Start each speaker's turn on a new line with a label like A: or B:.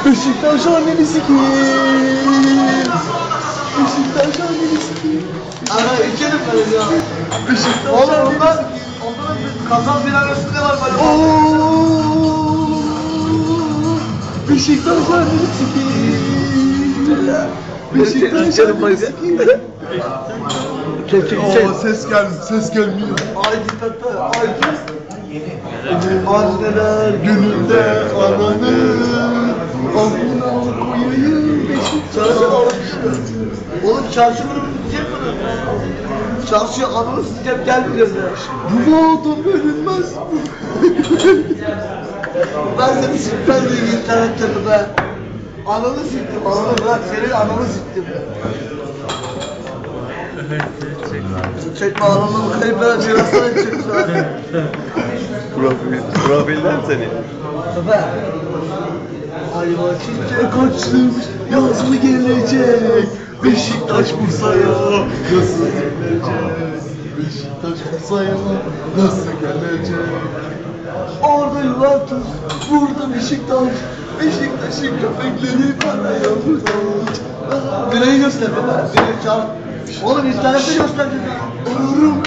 A: Beşiktaş annesi kim? Beşiktaş annesi kim?
B: Ana içerim ben ya.
A: Beşiktaş
B: Oğlum
A: annesi
B: onlar
A: kim?
B: kazan filan üstünde var böyle.
A: Ooo! Beşiktaş annesi kim? Beşiktaş annesi kim?
B: Oo,
A: Ses gelmiyor.
B: ay diktatör, ay anneler
A: Gününde ananı amına koyayım Beşiktaş.
B: Çarşı oğlum çarşı bunu bitecek mi? Çarşıya ananı sikeceğim gelmeyeceğiz ya.
A: Bu adam bölünmez.
B: Ben seni sikmez miyim internette mi be? Ananı siktim, ananı bırak senin ananı siktim. Çekme ananı kayıp veren cirasına çekmiş abi.
A: Profiller seni.
B: Be. Ayva çiçek.
A: Kaçtım yaz mı gelecek? Beşiktaş Bursa'ya nasıl gelecek? Beşiktaş Bursa'ya nasıl gelecek? Orada Juventus, burada Beşiktaş. Beşiktaş'ın köpekleri paraya muhtaç.
B: Direği göster be. Direği çağır. Oğlum internette göster dedi.
A: Olurum